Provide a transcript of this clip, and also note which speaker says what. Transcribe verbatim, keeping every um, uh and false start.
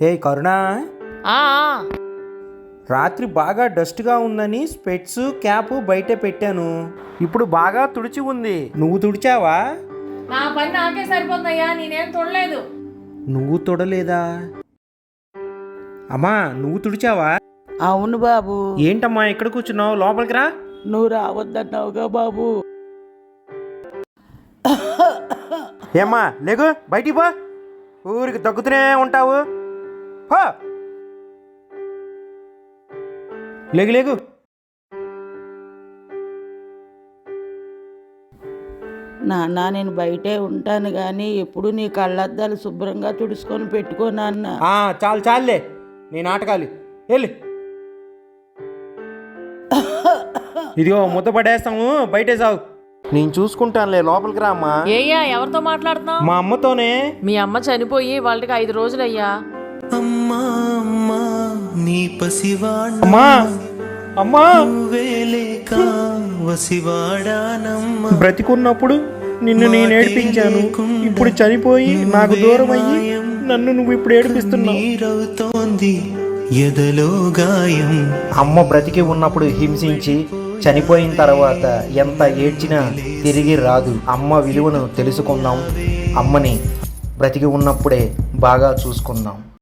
Speaker 1: హే కరుణా,
Speaker 2: ఆ ఆ.
Speaker 1: రాత్రి బాగా డస్ట్గా ఉందని స్పెట్స్ క్యాప్ బయటే పెట్టాను. ఇప్పుడు బాగా తుడిచి ఉంది. నువ్వు తుడిచావా?
Speaker 2: నా పని నాకే సరిపోతుందయ్యా, నేనేం చూడలేదు.
Speaker 1: నువ్వు తుడలేదా? అమ్మా నువ్వు తుడిచావా?
Speaker 3: అవును బాబు.
Speaker 1: ఏంటమ్మా ఇక్కడ కూర్చున్నావు? లోపలికి రా.
Speaker 3: నువ్వు రావద్దన్నావుగా బాబు.
Speaker 1: ఏమ్మా లేగు, బయటికి పో. ఊరికి దగ్గుతూనే ఉంటావు. పో. లేగు లేగు.
Speaker 3: నాన్న నేను బయటే ఉంటాను కానీ ఎప్పుడు నీ కళ్ళద్దాలు శుభ్రంగా తుడుచుకొని పెట్టుకో నాన్న.
Speaker 1: ఆ, చాలు చాలులే నీ నాటకాలు. వెళ్ళి ఇదిగో ముద్ద పడేస్తాము, బయటే సాగు. నేను చూసుకుంటానులే, లోపలికి రా అమ్మా.
Speaker 2: ఏయ్యా, ఎవరితో మాట్లాడుతున్నావు?
Speaker 1: మా అమ్మతోనే.
Speaker 2: మీ అమ్మ చనిపోయి వాళ్ళకి ఐదు రోజులయ్యా.
Speaker 4: అమ్మా అమ్మా నీ పసివాడ
Speaker 1: అమ్మా అమ్మా
Speaker 4: వేలేక వసివాడానమ్మా.
Speaker 1: బ్రతికున్నప్పుడు నిన్ను నేను ఏడిపించాను, ఇప్పుడు చనిపోయి నాకు దూరం అయ్యి నన్ను నువ్వు ఇప్పుడు ఏడిపిస్తున్నావు.
Speaker 4: నీరవుతోంది ఎదలో గాయం.
Speaker 1: అమ్మ బ్రతికి ఉన్నప్పుడు హింసించి చనిపోయిన తర్వాత ఎంత ఏడ్చినా తిరిగి రాదు. అమ్మ విలువను తెలుసుకుందాం. అమ్మని బ్రతికి ఉన్నప్పుడే బాగా చూసుకుందాం.